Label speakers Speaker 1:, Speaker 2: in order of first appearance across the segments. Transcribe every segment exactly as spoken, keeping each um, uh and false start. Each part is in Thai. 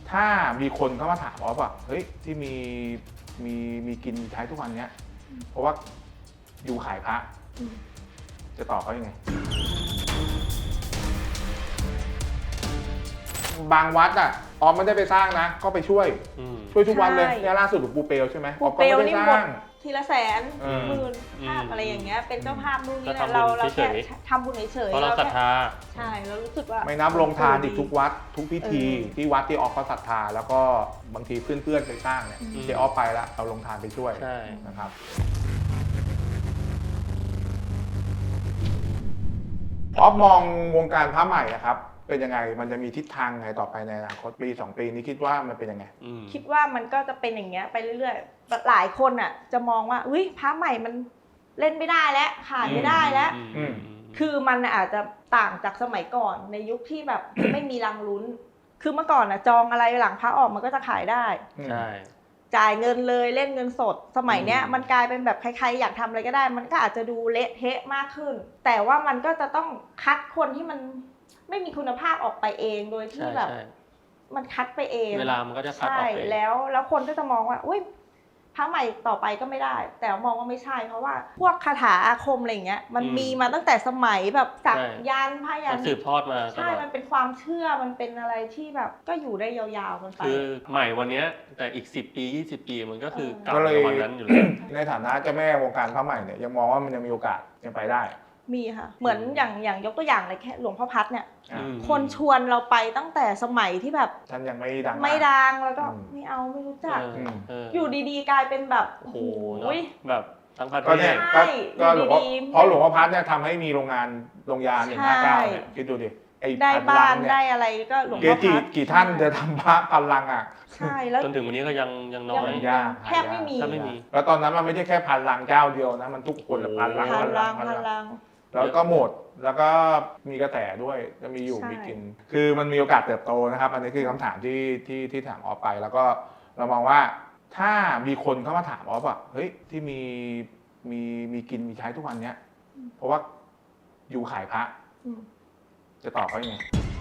Speaker 1: ถ้ามีคนเข้ามาถามออฟอะเฮ้ยที่มีมีมีกินใช้ทุกวันเนี้ยเพราะว่าอยู่ขายพระจะตอบเขายังไงบางวัดอ่ะออมไม่ได้ไปสร้างนะก็ไปช่วยช่วยทุกวันเลยเนี่ยล่าสุดหลวงปู่เปลวใช่ไหมออมก็ไม่ได้สร้าง
Speaker 2: ทีละแสนหมื่นภาพอะไรอย่างเงี้ยเป็นเจ้าภาพนู่นนี่นะเราเราแค่ทำบุญเฉยๆ
Speaker 3: เพราะเราศรัทธา
Speaker 2: ใช่เรารู้สึกว่า
Speaker 1: ไม่นับลงทานอีกทุกวัดทุกพิธีที่วัดที่ออฟเขาศรัทธาแล้วก็บางทีเพื่อนๆไปสร้างเนี่ยเจออฟไปแล้วเราลงทานไปช่วยนะครับออฟมองวงการพระใหม่นะครับเป็นยังไงมันจะมีทิศทางไงต่อไปในอนาคตปีสองปีนี้คิดว่ามันเป็นยังไง
Speaker 2: คิดว่ามันก็จะเป็นอย่างเงี้ยไปเรื่อยๆหลายคนอ่ะจะมองว่าอุ้ยพระใหม่มันเล่นไม่ได้แล้วขายไม่ได้แล้วคือมันอาจจะต่างจากสมัยก่อนในยุคที่แบบไม่มีรังลุ้นคือเมื่อก่อนอ่ะจองอะไรหลังพระออกมันก็จะขายได้
Speaker 3: ใช่
Speaker 2: จ่ายเงินเลยเล่นเงินสดสมัยเนี้ยมันกลายเป็นแบบใครๆอยากทำอะไรก็ได้มันก็อาจจะดูเละเทะมากขึ้นแต่ว่ามันก็จะต้องคัดคนที่มันไม่มีคุณภาพออกไปเองโดยที่แบบมันคัดไปเอง
Speaker 3: เวลามันก็จะคัดออกไป
Speaker 2: ใช่แล้วแล้วคนก็จะมองว่าอุ้ยพระใหม่ต่อไปก็ไม่ได้แต่มองว่าไม่ใช่เพราะว่าพวกคาถาอาคมอะไรอย่างเงี้ยมันมีมาตั้งแต่สมัยแบบสักยันต์พยันต์
Speaker 3: สืบทอดมา
Speaker 2: ใช่มันเป็นความเชื่อมันเป็นอะไรที่แบบก็อยู่ได้ยาวๆมันไป
Speaker 3: คือใหม่วันนี้แต่อีกสิบปียี่สิบปีมันก็คือเก่าในวันนั้นอยู่แล้ว
Speaker 1: ในฐานะเจ้าแม่วงการพระใหม่เนี่ยยังมองว่ามันยังมีโอกาสยังไปได้
Speaker 2: มีค่ะเหมือนอย่างอย่างยกตัวอย่างเลยแค่หลวงพ่อพัดเนี่ยคนชวนเราไปตั้งแต่สมัยที่แบบ
Speaker 1: ท่านยังไม่ดัง
Speaker 2: ไม่ดังแล้วก็ไม่เอาไม่รู้จักอยู่ดีๆกลายเป็นแบบ
Speaker 3: โอ้โหแบบทั้งประเทศ
Speaker 1: เนี่ยก็หลวงพ่อเพราะหลวงพ่อพัดเนี่ยทำให้มีโรงงานโรงยาหนึ่งห้าเก้าเนี่ยคิดดูดิ
Speaker 2: ได้บ้านได้อะไรก็หลวงพ่อพัด
Speaker 1: กี่ท่านจะทำพระพันลังอ่ะ
Speaker 2: ใช่แล้ว
Speaker 3: จนถึงวันนี้ก็ยังยังน้อย
Speaker 2: แทบไม่มี
Speaker 3: ไม่มี
Speaker 1: แล้วตอนนั้นมันไม่ใช่แค่พันลังเจ้าเดียวนะมันทุกคนละพันลัง
Speaker 2: พันลังพันลัง
Speaker 1: แล้วก็หมดแล้วก็มีกระแสด้วยจะมีอยู่มีกินคือมันมีโอกาสเติบโตนะครับอันนี้คือคำถามที่ที่ที่ถามออฟไปแล้วก็เรามองว่าถ้ามีคนเข้ามาถามออฟอ่ะเฮ้ยที่มีมีมีกินมีใช้ทุกวันเนี้ยเพราะว่าอยู่ขายพระจะตอบเขายังไง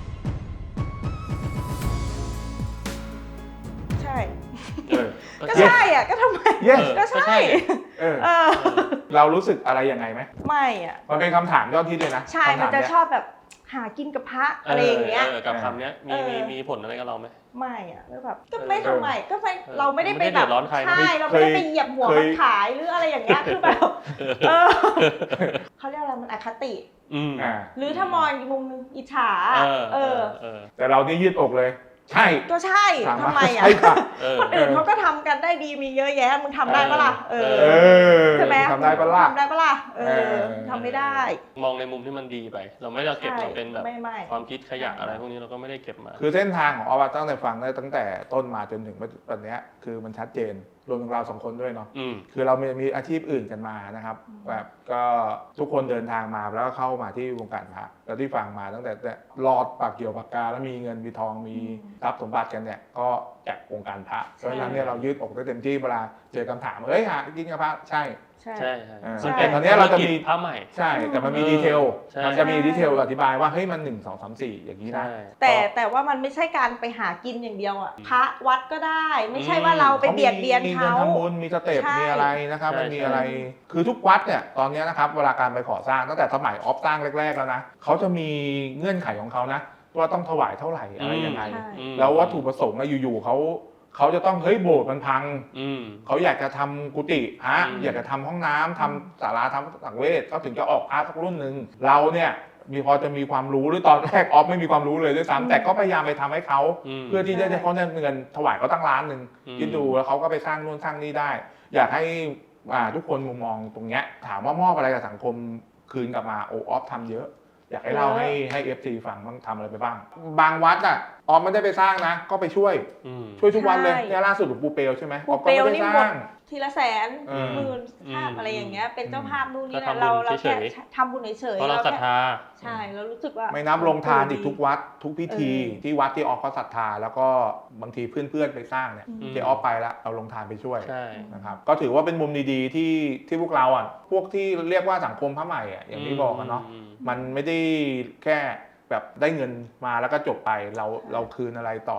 Speaker 2: ใช่ก็ใช่อ่ะก็ทำไมก็ใช่
Speaker 1: เรารู้สึกอะไรยังไงไหม
Speaker 2: ไม่อ่ะ
Speaker 1: มันเป็นคำถามยอดฮิตเลยนะ
Speaker 2: ใช่มันจะชอบแบบหากินกับพระอะไรอย่างเงี้ย
Speaker 3: กับคำนี้มีมีมีผลอะไรกับเราไหม
Speaker 2: ไม่อ่ะแบบก็ไม่ทำไมก็ไม่เราไม่ได้ไปแบบใช่เราไม่ได้ไปเหยียบหัวมันขายหรืออะไรอย่างเงี้ยคือแบบเขาเรียกอะไรมันอคติหรือถ้ามองอีกมุมนึงอิจฉาเออ
Speaker 1: แต่เรานี่ยืดอกเลยใช่
Speaker 2: ก็ใช่ทำไมอ่ะคนอื่นเขาก็ทำกันได้ดีมีเยอะแยะมึงทำได้ปะล่ะเออใช่ไหม
Speaker 1: ทำได้ปะล่ะ
Speaker 2: ทำได้ปะล่ะเออทำไม่ได้
Speaker 3: มองในมุมที่มันดีไปเราไม่ได้เก็บมาเป็นแบบความคิดขยะอะไรพวกนี้เราก็ไม่ได้เก็บมา
Speaker 1: คือเส้นทางของออฟตั้งแต่ฟังได้ตั้งแต่ต้นมาจนถึงตอนนี้คือมันชัดเจนรวมถึงเราสองคนด้วยเนาะคือเรามีมีอาชีพอื่นกันมานะครับแบบก็ทุกคนเดินทางมาแล้วก็เข้ามาที่วงการพระแล้วที่ฟังมาตั้งแต่รอดปากเกี่ยวปากกาแล้วมีเงินมีทองมีทรัพย์สมบัติกันเนี่ยก็จากวงการพระเพราะฉะนั้นเนี่ยเรายืดอกได้เต็มที่เวลาเจอคำถามเฮ้ยหากินกับพระใช่
Speaker 3: ใช่ใช่
Speaker 1: แต่ตอนนี้เราจะมี
Speaker 3: พระใหม่
Speaker 1: ใช่แต่มันมีดีเทลมันจะมีดีเทลอธิบายว่าเฮ้ยมันหนึ่งสองสามสี่อย่างนี้นะ
Speaker 2: แต่แต่ว่ามันไม่ใช่การไปหากินอย่างเดียวอ่ะพระวัดก็ได้ไม่ใช่ว่าเราไปเบียดเบียนเขามีเงิน
Speaker 1: ทำบุญมีสเต็ปมีอะไรนะครับมันมีอะไรคือทุกวัดเนี่ยตอนนี้นะครับเวลาการไปก่อสร้างตั้งแต่สมัยออฟสร้างแรกๆแล้วนะเขาจะมีเงื่อนไขของเขานะว่าต้องถวายเท่าไหร่อะไรยังไงแล้ววัตถุประสงค์อยู่ๆเขาเขาจะต้องเฮ้ยโบสถ์มันพังเขาอยากจะทำกุฏิฮะอยากจะทำห้องน้ำทำศาลาทำสังเวชเขาถึงจะออกพระสักรุ่นหนึ่งเราเนี่ยมีพอจะมีความรู้หรือตอนแรกออฟไม่มีความรู้เลยด้วยซ้ำแต่ก็พยายามไปทำให้เขาเพื่อที่จะให้เขาได้เงินถวายเขาตั้งล้านหนึ่งคิดดูแล้วเขาก็ไปสร้างนู่นสร้างนี่ได้อยากให้ทุกคนมุมมองตรงเนี้ยถามว่ามอบอะไรกับสังคมคืนกลับมาโอออฟทำเยอะอยากให้เล่าให้ให้ เอฟ ซี ฟังบ้างทำอะไรไปบ้างบางวัดอ่ะออมไม่ได้ไปสร้างนะก็ไปช่วยช่วยทุกวันเลยเนี่ยล่าสุดหลวงปู่เปลวใช่ไหม
Speaker 2: ปู่เปลวนี่หมดทีละแสนหมื่นภาพอะไรอย่างเงี้ยเป็นเจ้าภาพนู่นนี่นะเราเราแค่ทำบุญเฉยๆ
Speaker 3: เพราะเราศรัทธา
Speaker 2: ใช่เรารู้สึกว่า
Speaker 1: ไม่นับลงทานอีกทุกวัดทุกพิธีที่วัดที่ออฟเขาศรัทธาแล้วก็บางทีเพื่อนๆไปสร้างเนี่ยเจอออฟไปแล้วเราลงทานไปช่วยนะครับก็ถือว่าเป็นมุมดีๆที่ที่พวกเราอ่ะพวกที่เรียกว่าสังคมพระใหม่อ่ะอย่างที่บอกกันเนาะมันไม่ได้แค่แบบได้เงินมาแล้วก็จบไปเราเราคืนอะไรต่อ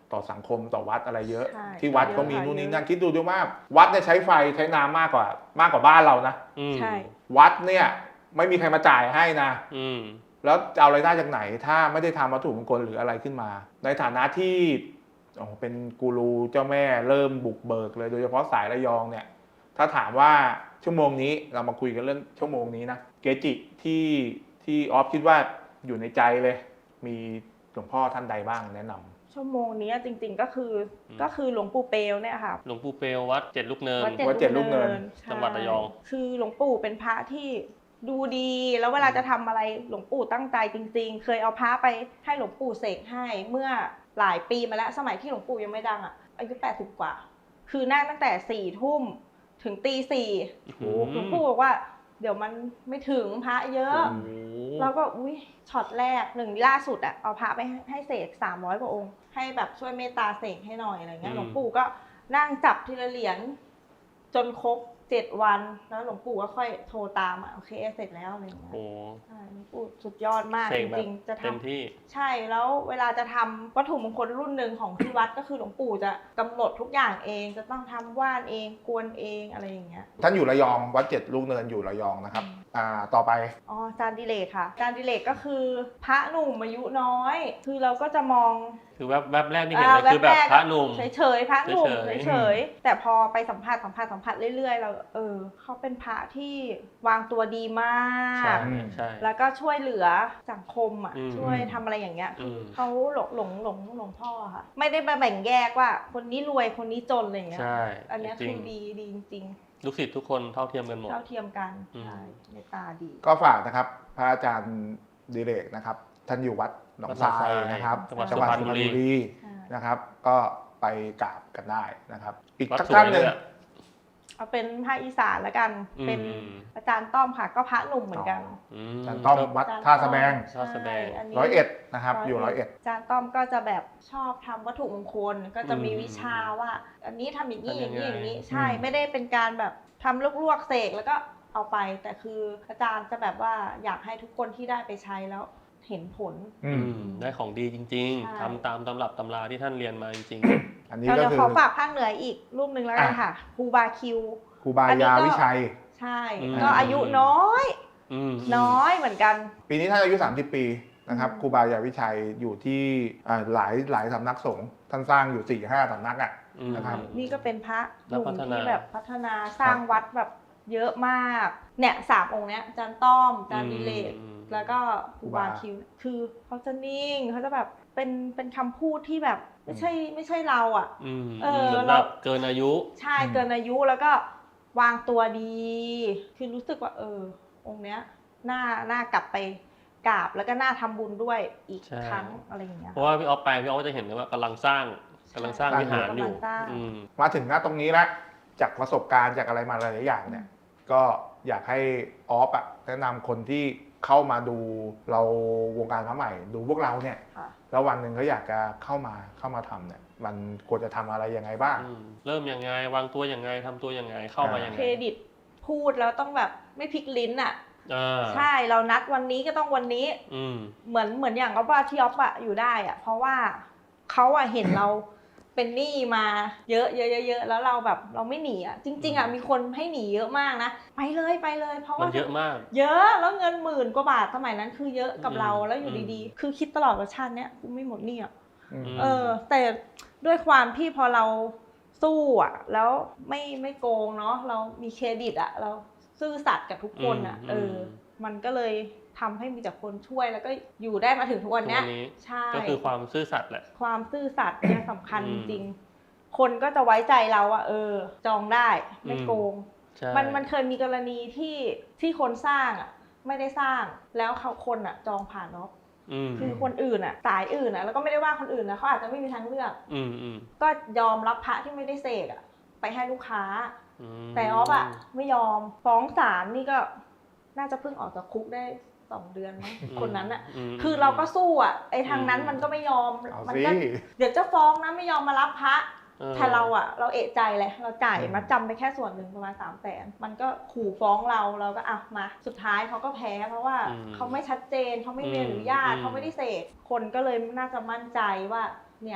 Speaker 1: ต่อสังคมต่อวัดอะไรเยอะ
Speaker 2: ใช่
Speaker 1: ที่วัด
Speaker 2: เยอะ
Speaker 1: ก็มี
Speaker 2: ค่ะ
Speaker 1: นู่นนี่
Speaker 2: เยอะ
Speaker 1: นั่นคิดดูด้วยว่าวัดเนี่ยใช้ไฟใช้น้ำมากกว่ามากกว่าบ้านเรานะ
Speaker 3: อืม
Speaker 2: ใช่
Speaker 1: วัดเนี่ยไม่มีใครมาจ่ายให้นะ
Speaker 3: อืม
Speaker 1: แล้วจะเอารายได้จากไหนถ้าไม่ได้ทำวัตถุมงคลหรืออะไรขึ้นมา ในฐานะที่โอ้เป็นกูรูเจ้าแม่เริ่มบุกเบิกเลยโดยเฉพาะสายระยองเนี่ยถ้าถามว่าชั่วโมงนี้เรามาคุยกันเรื่องชั่วโมงนี้นะเกจิที่ที่ออฟคิดว่าอยู่ในใจเลย มีหลวงพ่อท่านใดบ้างแนะนำ
Speaker 2: ชั่วโมงนี้จริงๆก็คือ
Speaker 3: อืม
Speaker 2: ก็คือหลวงปู่เปลวเนี่ยค่ะ
Speaker 3: หลวงปู่เปลววัดเจ็ดลูกเนิน
Speaker 1: วัดเจ็ดลูกเนิน
Speaker 2: ใช่
Speaker 3: จังหวัดระยอง
Speaker 2: คือหลวงปู่เป็นพระที่ดูดีแล้วเวลาจะทำอะไรหลวงปู่ตั้งใจจริงๆ เคยเอาพระไปให้หลวงปู่เสกให้เมื่อหลายปีมาแล้วสมัยที่หลวงปู่ยังไม่ดังอ่ะอายุแปดสิบกว่า คือนั่งตั้งแต่สี่ทุ่มถึงตีสี่
Speaker 3: อืม
Speaker 2: หลวงปู่บอกว่าเดี๋ยวมันไม่ถึงพระเยอะ
Speaker 3: โอ้โห
Speaker 2: แล้วก็อุ้ยช็อตแรกหนึ่งล่าสุดอะเอาพระไปให้ให้เสกสามร้อยกว่าองค์ให้แบบช่วยเมตตาเสกให้หน่อยอะไรเงี้ยหลวงปู่ก็นั่งจับทีละเหรียญจนครบเจ็ดวันแล้วหลวงปู่ก็ค่อยโทรตามอะโอเคเสร็จแล้วอะไรเงี้ย
Speaker 3: โอ้
Speaker 2: ใช่หลวงปู่สุดยอดมาก
Speaker 3: เส
Speaker 2: จ
Speaker 3: กแบบ
Speaker 2: ริงๆจะท
Speaker 3: เต็มที่
Speaker 2: ำใช่แล้วเวลาจะทำวัตถุมงคลรุ่นหนึ่งของที่วัดก็คือหลวงปู่จะกำหนดทุกอย่างเองจะต้องทำว่านเองกวนเองอะไรอย่างเงี้ย
Speaker 1: ท่านอยู่ระยองวัดเจ็ดลูกเนินอยู่ระยองนะครับอ่าต่อไป
Speaker 2: อ๋อจานดิเลกค่ะจานดิเลกก็คือพระหนุ่มอายุน้อย คือเราก็จะมอง
Speaker 3: คือแวบแวบแรกที่เห็นเลยคือแบบพระหนุ่ม
Speaker 2: เฉยๆพระหนุ่ม
Speaker 3: เฉยๆ
Speaker 2: เฉยๆแต่พอไปสัมผัสสัมผัสสัมผัสเรื่อยๆเราเออเขาเป็นพระที่วางตัวดีมา
Speaker 3: ใช่
Speaker 2: ก
Speaker 3: ใช่
Speaker 2: แล้วก็ช่วยเหลือสังคมอ่ะ
Speaker 3: อืม
Speaker 2: ช่วยทำอะไรอย่างเงี้ยคืออ
Speaker 3: ม
Speaker 2: เขาหลงหลงหลงหลงพ่อค่ะ ไม่ได้มาแบ่งแยกว่าคนนี้รวยคนนี้จนอะไรอย่างเงี้ย
Speaker 3: ใช่
Speaker 2: อันเนี้ย
Speaker 3: จริ
Speaker 2: คื
Speaker 3: ง
Speaker 2: อดีดีจริง
Speaker 3: ลูกศิษย์ทุกคนเท่าเทียมกันหม
Speaker 2: ๆ
Speaker 3: ด
Speaker 2: เท่าเทียมกัน
Speaker 3: อืม
Speaker 2: ใช่เมตตาดี
Speaker 1: ก็ฝากนะครับพระอาจารย์ดิเรกนะครับท่านอยู่วัดหนองทรายนะครับ
Speaker 3: จังหวัด
Speaker 1: จังหวัด
Speaker 3: สุ
Speaker 1: สุ
Speaker 3: พ
Speaker 1: พ
Speaker 3: ร
Speaker 1: ร
Speaker 3: ร
Speaker 1: ร
Speaker 3: ณ
Speaker 1: ณ
Speaker 3: บุ
Speaker 1: บุ
Speaker 3: รี
Speaker 1: รี
Speaker 2: ใช่
Speaker 1: นะครับ ก็ไปกราบกันได้นะครับ อีก
Speaker 3: วัด
Speaker 1: สัก
Speaker 3: สวย
Speaker 1: ท่านหนึ่ง
Speaker 3: ด้วย
Speaker 2: เอาเป็นภาคอีสานแล้วกัน
Speaker 3: อืม
Speaker 2: เป็นอาจารย์ต้อมค่ะก็พระหนุ่มเหมือนกัน
Speaker 3: อืม
Speaker 1: อาจารย์ต้อมวัดท่าสะแบง
Speaker 3: ท่าสะแบง
Speaker 2: ใช่นนี้
Speaker 1: ร้อยเอ็ดนะครับอยู่ร้อยเอ็ด
Speaker 2: อาจารย์ต้อมก็จะแบบชอบทำวัตถุมงคลก็จะมี
Speaker 3: อืม
Speaker 2: วิชาว่า อันนี้ทำอย่างนี้อ
Speaker 3: ทำยั
Speaker 2: ย่าง ง
Speaker 3: ไง
Speaker 2: นี้อย่างนี้ใช่
Speaker 1: อืม
Speaker 2: ไม่ได้เป็นการแบบทำลวกๆเสกแล้วก็เอาไป แต่คืออาจารย์จะแบบว่าอยากให้ทุกคนที่ได้ไปใช้แล้วเห็นผล
Speaker 1: อื
Speaker 3: อื
Speaker 1: ม
Speaker 3: มได้ของดีจริง
Speaker 2: ใช่
Speaker 3: ๆทำตามตำรับตำราที่ท่านเรียนมาจริง
Speaker 1: อันนี้
Speaker 2: เรา
Speaker 1: ก็
Speaker 2: จะ
Speaker 1: คือ
Speaker 2: ขอฝากภาคเหนืออีกรูปหนึ่งแล้วกันค่ะครูบาคิว
Speaker 1: ครูบายาวิชัย
Speaker 2: ใช่
Speaker 3: อืม
Speaker 2: ก็อายุน้อย
Speaker 3: ๆอืม
Speaker 2: น้อยเหมือนกัน
Speaker 1: ปีนี้ท่านอายุสามสิบปีนะครับ
Speaker 2: อืม
Speaker 1: ครูบายาวิชัยอยู่ที่อ่าหลายหลายสำนักสงฆ์ท่านสร้างอยู่สี่ห้าสำนักอ่ะ
Speaker 3: อืม
Speaker 1: นะครับ
Speaker 2: นี่ก็เป็นพระห
Speaker 3: แล้ว
Speaker 2: นุ่ม
Speaker 3: พัฒนา
Speaker 2: ที่แบบพัฒนาสร้างวัดแบบเยอะมาก เนี่ยสามองค์เนี้ยอาจารย์ต้อมอาจารย์ดิเลก
Speaker 3: อืม
Speaker 2: แล้วก็ครูบาคิว คือเขาจะนิ่งเขาจะแบบเป็นเป็นคำพูดที่แบบไม่ใช่ไม่ใช่เราอ่ะ
Speaker 3: อืม
Speaker 2: เออ
Speaker 3: เหมือน
Speaker 2: เรา
Speaker 3: แบบเกินอายุ
Speaker 2: ใช่เกินอายุแล้วก็วางตัวดี คือรู้สึกว่าเออองค์เนี้ยน่าน่ากลับไปกราบแล้วก็น่าทำบุญด้วยอีก
Speaker 3: ใช่
Speaker 2: ครั้งอะไรอย่างเงี้ย
Speaker 3: เพราะว่าพี่ออฟไปพี่ออฟก็จะเห็นเลยว่ากำลังสร้างกำลังสร้าง
Speaker 1: ใช่
Speaker 3: วิหารอยู่
Speaker 2: กำลังสร้าง
Speaker 3: อืม
Speaker 1: มาถึงหน้าตรงนี้แล้วจากประสบการณ์จากอะไรมาหลายๆอย่างเนี่ย ก็อยากให้ออฟอะแนะนำคนที่เข้ามาดูเราวงการพระใหม่ ดูพวกเราเนี่ย
Speaker 2: ค่ะ
Speaker 1: แล้ววันหนึ่งเขาอยากจะเข้ามาเข้ามาทำเนี่ย มันควรจะทำอะไรยังไงบ้าง
Speaker 3: อืมเริ่มยังไงวางตัวยังไงทำตัวยังไงเข้ามายังไง
Speaker 2: เครดิตพูดแล้วต้องแบบไม่พลิกลิ้นอ่ะ
Speaker 3: อ่า
Speaker 2: ใช่เรานัดวันนี้ก็ต้องวันนี้
Speaker 3: อืม
Speaker 2: เหมือนเหมือนอย่างก็ว่าที่ออฟอะอยู่ได้อะเพราะว่าเขาอะเห็นเราเป็นหนี้มาเยอะเยอะเยอะแล้วเราแบบเราไม่หนีอะจริงๆอะมีคนให้หนีเยอะมากนะไปเลยไปเลย เพราะ
Speaker 3: มั
Speaker 2: ว่าน
Speaker 3: เยอะมาก
Speaker 2: เยอะแล้วเงินหมื่นกว่าบาทสมัยนั้นคือเยอะกับเรา
Speaker 3: อืม
Speaker 2: แล้วอยู่ดีๆ คือคิดตลอดว่าชาติเนี้ยกูไม่หมดหนี้อะ
Speaker 1: อืม
Speaker 3: ม
Speaker 2: เออ แต่ด้วยความที่พอเราสู้อะแล้วไม่ไม่โกงเนาะเรามีเครดิตอะเราซื่อสัตย์กับทุกคนอะ
Speaker 3: อืม
Speaker 2: เออ
Speaker 3: อืม
Speaker 2: มันก็เลยทำให้มีแต่คนช่วยแล้วก็อยู่ได้มาถึงทุกวันเนี้ย
Speaker 3: ทุกวันนี้
Speaker 2: ใช่
Speaker 3: ก็คือความซื่อสัตย์แหละ
Speaker 2: ความซื่อสัตย์เนี่ยสำคัญ
Speaker 3: อื
Speaker 2: จ
Speaker 3: ม
Speaker 2: ริงๆ คนก็จะไว้ใจเราอะเออ จองได้ไม่
Speaker 3: อืม
Speaker 2: โกง
Speaker 3: ใช่
Speaker 2: มันมันเคยมีกรณีที่ที่คนสร้างอะไม่ได้สร้างแล้วเขาคนอะจองผ่านเนาะ
Speaker 3: อืม
Speaker 2: คือคนอื่นอะสายอื่นอะแล้วก็ไม่ได้ว่าคนอื่นนะเขาอาจจะไม่มีทางเลือก
Speaker 3: อืมอืม
Speaker 2: ก็ยอมรับพระที่ไม่ได้เสกอะไปให้ลูกค้า
Speaker 3: อืม
Speaker 2: แต่ออฟอะไม่ยอมฟ้องศาลนี่ก็น่าจะเพิ่งออกจากคุกได้สองเดือนมั้งคนนั้นอะ
Speaker 3: ม
Speaker 2: คือเราก็สู้อ่ะไอ้ทางนั้น
Speaker 3: อืม
Speaker 2: มันก็ไม่ยอม
Speaker 1: เอา
Speaker 2: มั
Speaker 1: สิ
Speaker 2: ก็เดี๋ยวจะฟ้องนะไม่ยอมมารับพระ
Speaker 3: ออ
Speaker 2: แต่เราอ่ะ เราเอะใจเลยเราจ่าย
Speaker 1: อืม
Speaker 2: มาจำไปแค่ส่วนหนึ่งประมาณสามแสนมันก็ขู่ฟ้องเราเราก็อ่ะมาสุดท้ายเขาก็แพ้เพราะว่า
Speaker 3: อืม
Speaker 2: เขาไม่ชัดเจนเขาไม่มี
Speaker 3: อืม
Speaker 2: อนุญาต
Speaker 3: อืม
Speaker 2: เขาไม่ได้เสกคนก็เลยน่าจะมั่นใจว่าเนี่ย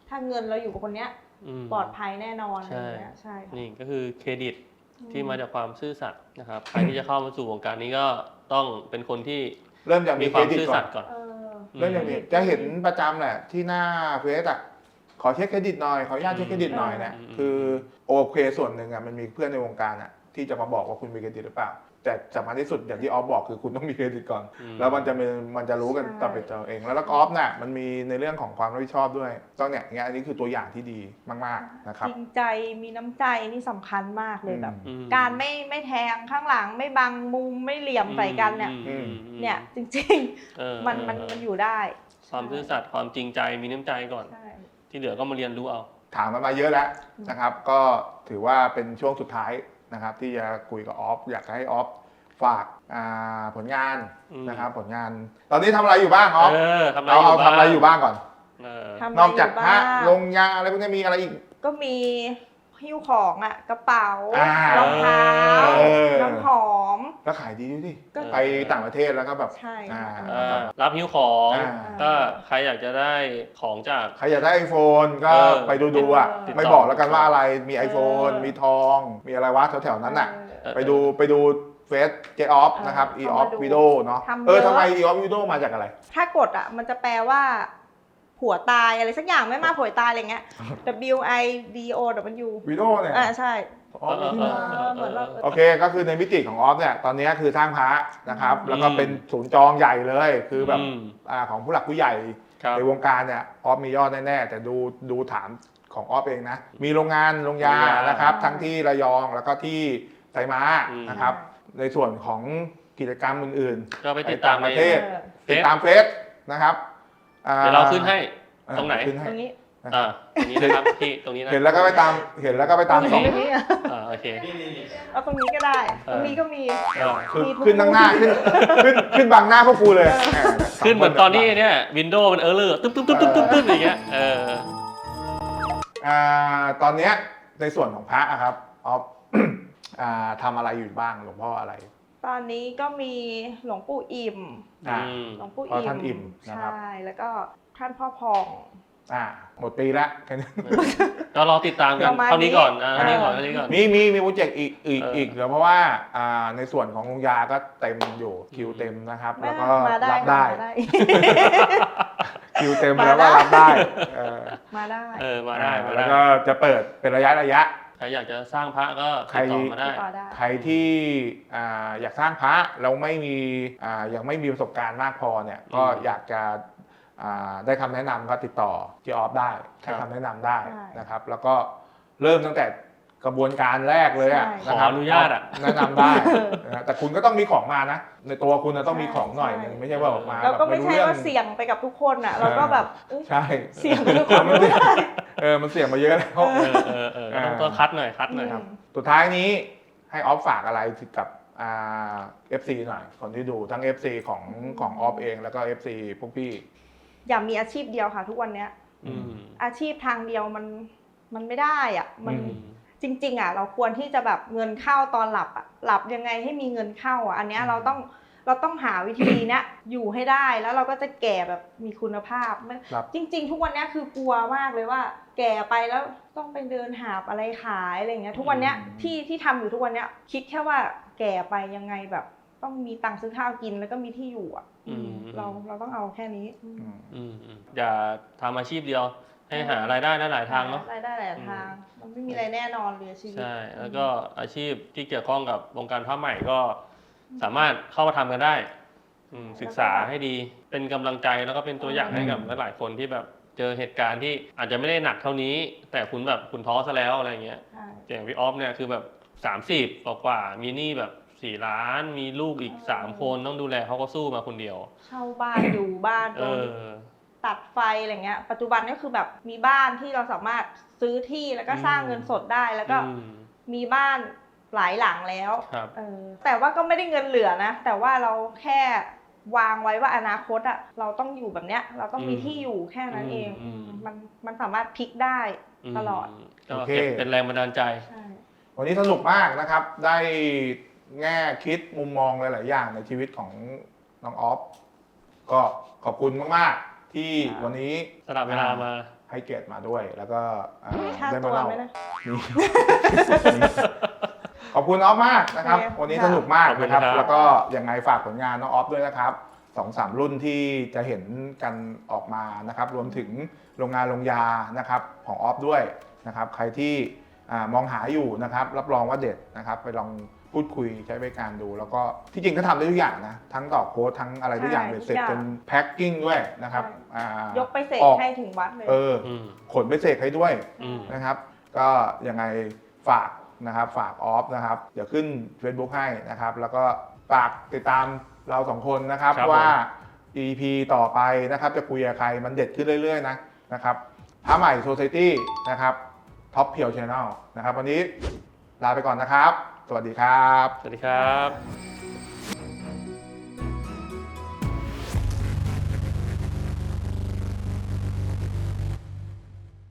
Speaker 2: ถ้าเงินเราอยู่กับคนเนี้ยปลอดภัยแน่นอนอะไรเงี้ยใช่ค่ะ
Speaker 3: นี่ก็คือเครดิตที่มาจากความซื่อสัตย์นะครับใครที่จะเข้ามาสู่วงการนี้ก็ต้องเป็นคนที่
Speaker 1: เริ่มจากมี
Speaker 3: มีความซื่อสัตย์ก่อน
Speaker 1: เริ่มจากนี้จะเห็นประจำแหละที่หน้าเฟซอ่ะขอเช็คเครดิตหน่อยขออนุญาตเช็คเครดิตหน่อยเนี่ยคือโอเคส่วนหนึ่งอ่ะมันมีเพื่อนในวงการอ่ะที่จะมาบอกว่าคุณมีเครดิตหรือเปล่าแต่สำคัญที่สุดอย่างที่ออฟบอกคือคุณต้องมีเครดิตก่อนแล้วมันจะมีมันจะรู้กันตับเป็นตัวเองแล้วแล้วออฟน่ะมันมีในเรื่องของความรับผิดชอบด้วยต้องเนี่ยอย่างอันนี้คือตัวอย่างที่ดีมากๆนะครับ
Speaker 2: จริงใจมีน้ำใจนี่สำคัญมากเลยแบบการไม่ไม่แทงข้างหลังไม่บังมุมไม่เหลี่ยมใส่กันเนี่ยเนี่ยจริงๆมันมันมันอยู่ได้
Speaker 3: ความซื่อสัตย์ความจริงใจมีน้ำใจก่อนที่เหลือก็มาเรียนรู้เอา
Speaker 1: ถามมาเยอะแล้วนะครับก็ถือว่าเป็นช่วงสุดท้ายนะครับที่จะคุยกับออฟอยากให้ออฟฝากผลงานนะครับผลงานตอนนี้ทำอะไรอยู่บ้างออฟเอาเอาทำอะไรอยู่บ้างก่อนนอกจากฮะลงยาอะไรพวกนี้มีอะไรอีก
Speaker 2: ก็มีหิ้วของอ่ะกระเป๋ารองเท้าน้ำหอม
Speaker 1: แล้วขายดีด้วยดิไปต่างประเทศแล้วก็แบบ
Speaker 3: รับหิ้วของก็ใครอยากจะได้ของจาก
Speaker 1: ใครอยากได้ ไอโฟน ก็ไปดูดูอ่ะไม่บอกแล้วกันว่าอะไรมี ไอโฟน มีทองมีอะไรวะแถวๆนั้นน่ะไปดูไปดูเฟซเจออฟนะครับอีออฟวิดีโอเนาะเออทำไมอีออฟวิดีโอมาจากอะไร
Speaker 2: ถ้ากดอ่ะมันจะแปลว่าผัวตายอะไรสักอย่างไม่มาผัวตายอะไรเงี้ย W I D O W
Speaker 1: วิดีโอเนี่ย
Speaker 2: อ่าใช่
Speaker 1: โอเคก็คือในมิติของออฟเนี่ยตอนนี้คือสร้างพระนะครับแล้วก็เป็นศูนย์จองใหญ่เลยคือแบบของผู้หลักผู้ใหญ่ในวงการเนี่ยออฟมียอดแน่ๆแต่ดูดูฐานของออฟเองนะมีโรงงานโรงยานะครับทั้งที่ระยองแล้วก็ที่ไซม้านะครับในส่วนของกิจกรรมอื่น
Speaker 3: ๆก็ไปติดตาม
Speaker 1: ประเทศติดตามเฟซนะครับ
Speaker 3: เดี๋ยวเราขึ้นให้ตรงไหน
Speaker 2: ตรงนี้
Speaker 3: อ่าตรงนี้นะครับที่ตรงนี้นะ
Speaker 1: เห็นแล้วก็ไปตามเห็นแล้วก็ไปตามส่อง
Speaker 3: อ่าโอเค
Speaker 2: เอาตรงนี้ก็ได้ตรงนี้ก็มี
Speaker 1: คือขึ้นตั้งหน้าขึ้นขึ้นขึ้นบังหน้าพวกกูเลย
Speaker 3: ขึ้นเหมือนตอนนี้เนี่ยวินโดว์มันเออร์เลอร์ตึ๊บตึ๊บตึ๊บตึ๊บตึ๊บอย่างเงี้ยเออ
Speaker 1: อ่าตอนเนี้ยในส่วนของพระครับออฟอ่าทำอะไรอยู่บ้างหลวงพ่ออะไร
Speaker 2: ตอนนี้ก็มีหลวงปู่อิ่มหลวงปู่อิ่ม
Speaker 1: ท่านอิ่ม
Speaker 2: ใช่แล้วก็ท่านพ่อพอง
Speaker 1: อ่าหมดปีละแค่นี้
Speaker 3: ก็รอติดตามกันเท่านี้ก่อนเท่านี้ก่อนเท่านี้ก่อน
Speaker 1: มีมีมีโปรเจกต์อีกอีกอีกเดี๋ยวเพราะว่าอ่าในส่วนของโรงยาก็เต็มอยู่คิวเต็มนะครับแล้วก็รับได้คิวเต็มแล้วก็รับได้
Speaker 2: มาได้
Speaker 3: เออมาได้
Speaker 1: แล้วก็จะเปิดเป็นระยะระยะ
Speaker 3: ใครอยากจะสร้างพระก็ติดต่อมาได้
Speaker 1: ใครที่อยากสร้างพระแล้วไม่มียังไม่มีประสบการณ์มากพอเนี่ยก็อยากจะได้คำแนะนำก็ติดต่อเจออฟได้ให้คำแนะนำได้นะครับแล้วก็เริ่มตั้งแต่กระบวนการแรกเลยอ่ะ
Speaker 3: ขออนุญาตอ่ะ
Speaker 1: แนะนำได้แต่คุณก็ต้องมีของมานะในตัวคุณต้องมีของหน่อยนึงไม่ใช่ว่าออกมา
Speaker 2: แล้วก็ไม่ใช่ว่าเสี่ยงไปกับทุกคนอ่ะเราก็แบบ
Speaker 1: ใช่
Speaker 2: เสี่ยงทุกคนไม่ได้
Speaker 1: เออมันเสี่ยงมาเยอะแล้ว
Speaker 3: เออเออเออต้องคัดหน่อยคัดหน่อยครับ
Speaker 1: สุดท้ายนี้ให้ออฟฝากอะไรกับอ่า เอฟ ซี หน่อยคนที่ดูทั้ง เอฟ ซี ของของออฟเองแล้วก็ เอฟ ซี พวกพี่
Speaker 2: อย่ามีอาชีพเดียวค่ะทุกวันเนี้ยอาชีพทางเดียวมันมันไม่ได้อ่ะมันจริงๆอ่ะเราควรที่จะแบบเงินเข้าตอนหลับอ่ะหลับยังไงให้มีเงินเข้าอ่ะอันเนี้ยเราต้องเราต้องหาวิธีเนี้ยอยู่ให้ได้แล้วเราก็จะแก่แบบมีคุณภาพจริงๆทุกวันเนี้ยคือกลัวมากเลยว่าแก่ไปแล้วต้องไปเดินหาอะไรขายอะไรเงี้ยทุกวันเนี้ยที่ที่ทำอยู่ทุกวันเนี้ยคิดแค่ว่าแก่ไปยังไงแบบต้องมีตังค์ซื้อข้าวกินแล้วก็มีที่อยู่อ่ะเราเราต้องเอาแค่นี้
Speaker 3: อย่าทำอาชีพเดียวให้หารายได้ได้หลายทางเนาะ
Speaker 2: รายได้หลายทางมันไม่มีอะไรแน่นอนเลยชีวิต
Speaker 3: ใช่แล้วก็อาชีพที่เกี่ยวข้องกับวงการผ้าไหมก็สามารถเข้ามาทำกันได้ศึกษาให้ดีเป็นกำลังใจแล้วก็เป็นตัวอย่างให้กับหลายคนที่แบบเจอเหตุการณ์ที่อาจจะไม่ได้หนักเท่านี้แต่คุณแบบคุณท้อซะแล้วอะไรเงี้ยอย่างพี่ออฟเนี่ยคือแบบสามสิบกว่ามีหนี้แบบสี่ล้านมีลูกอีกสามคนต้องดูแลเขาก็สู้มาคนเดียว
Speaker 2: เช่าบ้านอยู่บ้านตัดไฟอะไรเงี้ยปัจจุบันก็คือแบบมีบ้านที่เราสามารถซื้อที่แล้วก็สร้างเงินสดได้แล้วก็มีบ้านหลายหลังแล้วแต่ว่าก็ไม่ได้เงินเหลือนะแต่ว่าเราแค่วางไว้ว่าอนาคตอ่ะเราต้องอยู่แบบเนี้ยเราต้องมีที่อยู่แค่นั้นเองมันมันสามารถพลิกได้ตลอด
Speaker 3: โอเคเป็นแรงบันดาลใจ
Speaker 1: วันนี้สนุกมากนะครับได้แง่คิดมุมมองหลายๆอย่างในชีวิตของน้องออฟก็ขอบคุณมากๆที่วันนี้
Speaker 3: สละเวลามา
Speaker 1: ให้เกียรติมาด้วย แล้วก็อ่า
Speaker 2: ค่า
Speaker 1: ได้
Speaker 2: ตั
Speaker 1: มาว เล่า
Speaker 2: ไหมนะ
Speaker 1: ขอบคุณออฟมากนะครับ
Speaker 2: โอเค
Speaker 1: วันนี้
Speaker 2: ค่ะ
Speaker 1: สนุกมากนะครับ
Speaker 3: ขอบคุณครับ
Speaker 1: แล้วก็ยังไงฝากผลงานน้องออฟด้วยนะครับสองสามรุ่นที่จะเห็นกันออกมานะครับ รวมถึงโรงงานโรงยานะครับของออฟด้วยนะครับ ใครที่อ่ามองหาอยู่นะครับ รับรองว่าเด็ดนะครับ ไปลองพูดคุยใช้บริการดู แล้วก็ที่จริงก็ทำได้ทุกอย่างนะ ทั้งต่อโค้ดทั้งอะไรทุกอย่าง
Speaker 2: ใช่
Speaker 1: เบ็ดเสร็จ
Speaker 2: ทุกอย่าง
Speaker 1: เป็นแพ็คกิ้งด้วยนะครับ
Speaker 2: ใช่
Speaker 1: อ่าย
Speaker 2: กไปเสก
Speaker 1: ออก
Speaker 2: ให้ถึงวัดเลย
Speaker 1: เออ
Speaker 3: อืม
Speaker 1: ขนไปเสกให้ด้วย
Speaker 3: อืม
Speaker 1: นะครับ ก็ยังไงฝากนะครับฝากออฟนะครับ เดี๋ยวขึ้น Facebook ให้นะครับ แล้วก็ฝากติดตามเราสองคนนะครับ
Speaker 3: ครับ
Speaker 1: ว่า อี พี ต่อไปนะครับจะคุยกับใครมันเด็ดขึ้นเรื่อยๆนะนะครับพระใหม่ Society นะครับท็อปเพียวชาแนลนะครับวันนี้ลาไปก่อนนะครับ สวัสดีครับ
Speaker 3: สวัสดีครับ